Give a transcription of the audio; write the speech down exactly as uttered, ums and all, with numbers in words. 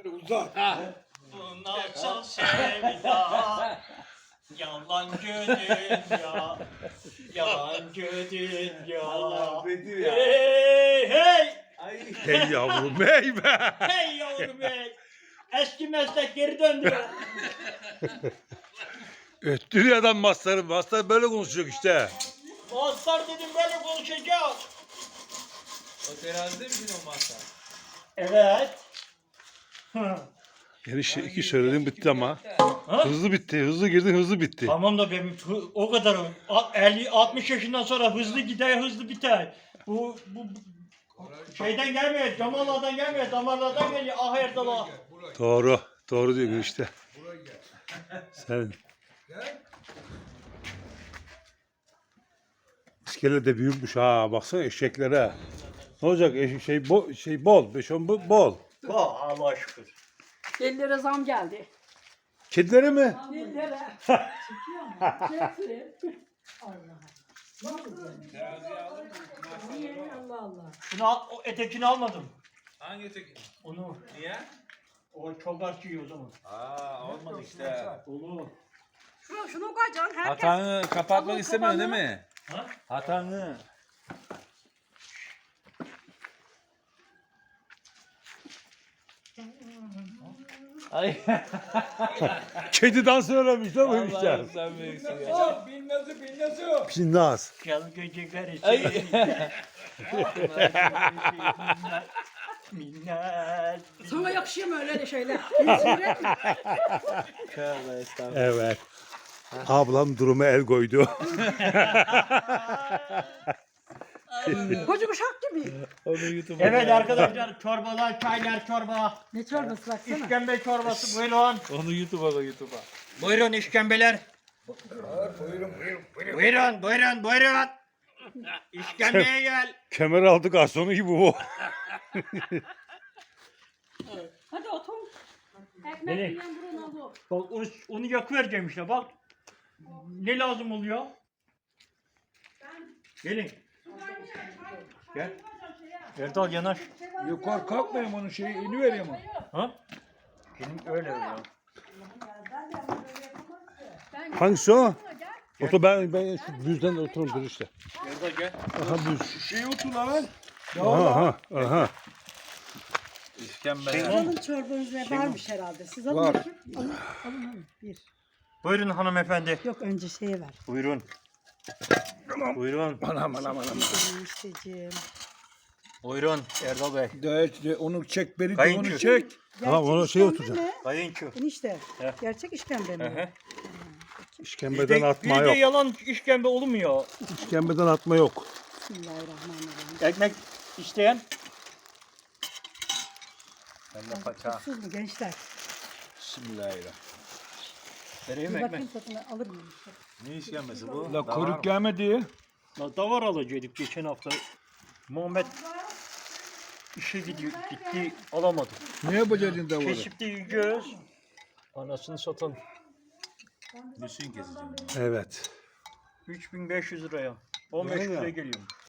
Uzak. Bu nasıl sevda? Yalancı dünya. Yalancı dünya. Allah Bedir ya. Hey hey. Ay. Hey yavrum hey be. Hey yavrum hey. Eski meslek geri döndü. Öttürüyor adam masları. Maslar böyle konuşacak işte. Mazhar dedim böyle konuşacağız. O terazide mi o masa? Evet. Yani şey, iki söyledim bitti ama. Ha? Hızlı bitti. Hızlı girdin hızlı bitti. Tamam da benim hı- o kadar elli altmış yaşından sonra hızlı gider hızlı biter. Bu bu bu şeyden gelmiyor, damarlardan gelmiyor, damarlardan geliyor. Ah Erdal'a. Doğru. Doğru diyor işte. Sen. İskele de büyükmüş ha. Baksana eşeklere. Ne olacak? Eş- şey, bo şey bol. Beş on bu- bol. Oh, Allah şükür. Ellere zam geldi. Kedilere mi? Ellere. Çekti. Allah Allah. Şunu al, o etekini almadım. Hangi tek? Onu Niye? o çok artıyor o zaman. Aa olmadı işte. Olur. Şunu, şunu koyacaksın. Herkes. Hatanı kapatmak Tamam, istemiyorsun kapanı. değil mi? Ha? Hatanı. Ay. Kedi dansı öğrenmiş değil mi Allah'ım işte? sen büyüksün ya. Bin nasıl bin nasıl? Pinnaz. Gel geceler Ay. Minnet. Sana yakışıyor mu öyle de şeyler? Tövbe estağfurullah. Evet. Ablam duruma el koydu. Koca kuşak gibi. Onu YouTube'a Evet koy. arkadaşlar çorbalar, çaylar, çorba, Ne çorbası baksana. işkembe çorbası buyurun. Onu YouTube'a koy YouTube'a. Buyurun işkembeler. Buyurun, buyurun, buyurun. İşkembeye gel. Kemer aldı garsonu gibi bu. Hadi otur. Ekmek Nereye? yiyen burun al bu. Bak onu, onu yakıvereceğim işte bak. Ne lazım oluyor? Gelin. Gel. Erdal yanaş. Yukarı kalkmayayım onun şeyi ini vereyim onu. Ha? Benim öyle ya. Hangisi o? Otur ben ben şu düzden otururum dur işte. Erdal gel. Aha düz. Şey otur lan. Aha aha. aha. İşkembe. Şey- Alın çorbanız ne varmış herhalde. Siz alın Var. bakayım. Alın, alın, alın. Bir. Buyurun hanımefendi. Yok önce şeye ver. Buyurun. Buyurun. Anam anam anam. İsteciğim. Buyurun Erdal Bey. De, de, onu çek beni de Kayınço. onu çek. Tamam, ona şey oturacak. Kayınço. Enişte. He. Gerçek işkembe Hı mi? hı. İşkembeden Bizde, atma bizde yok. yalan işkembe olmuyor. İşkembeden atma yok. Bismillahirrahmanirrahim. Ekmek isteyen. Ben de paça. Tuzsuz mu gençler? Bismillahirrahmanirrahim. Vereyim Bir ekmek. bakayım tadına alır mıyım? Ne işkembesi bu? La Davar koruk mı? gelmedi. La davar alacaktık geçen hafta. Muhammed işe gidiyor, gitti alamadı. Ne yapacaksın davarı? Kesip de yiyeceğiz. Anasını satan Düşün keseceğim. Evet. üç bin beş yüz liraya. on beş Öyle mi? liraya geliyor.